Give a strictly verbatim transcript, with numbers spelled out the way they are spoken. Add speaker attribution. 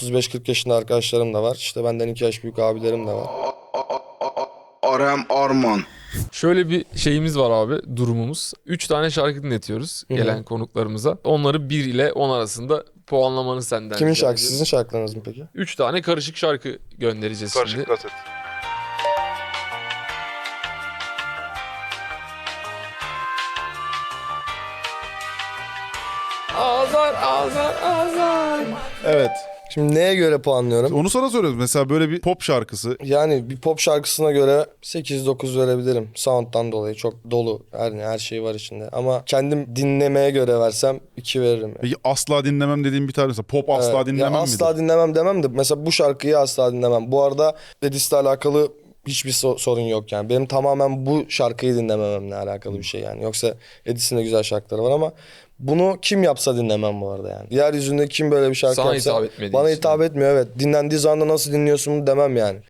Speaker 1: otuz beş kırk yaşında arkadaşlarım da var. İşte benden iki yaş büyük abilerim de var.
Speaker 2: Arem Arman.
Speaker 3: Şöyle bir şeyimiz var abi, durumumuz. Üç tane şarkı dinletiyoruz
Speaker 1: Hı hı.
Speaker 3: gelen konuklarımıza. Onları bir ile on arasında puanlamanı senden
Speaker 1: Kimin
Speaker 3: rica
Speaker 1: şarkısı?
Speaker 3: ediyorum.
Speaker 1: Sizin şarkılarınız mı peki?
Speaker 3: Üç tane karışık şarkı göndereceğiz şimdi.
Speaker 4: Karışık kaset.
Speaker 3: Azar azar azar.
Speaker 4: Evet.
Speaker 1: Şimdi neye göre puanlıyorum?
Speaker 4: Onu sana soruyoruz. Mesela böyle bir pop şarkısı.
Speaker 1: Yani bir pop şarkısına göre sekiz dokuz verebilirim. Sound'dan dolayı çok dolu. Her, her şey var içinde. Ama kendim dinlemeye göre versem iki veririm. Yani.
Speaker 4: Peki asla dinlemem dediğim bir tane mesela pop asla
Speaker 1: Evet.
Speaker 4: dinlemem
Speaker 1: Ya
Speaker 4: midir?
Speaker 1: asla dinlemem demem de mesela bu şarkıyı asla dinlemem. Bu arada Edis'le alakalı hiçbir so- sorun yok yani. Benim tamamen bu şarkıyı dinlemememle alakalı bir şey yani. Yoksa Edis'in de güzel şarkıları var ama bunu kim yapsa dinlemem bu arada yani. Yeryüzünde kim böyle bir şarkı
Speaker 3: Sana
Speaker 1: yapsa
Speaker 3: hitap etmediği
Speaker 1: bana
Speaker 3: için.
Speaker 1: hitap etmiyor, evet. Dinlendiği zaman da nasıl dinliyorsun demem yani.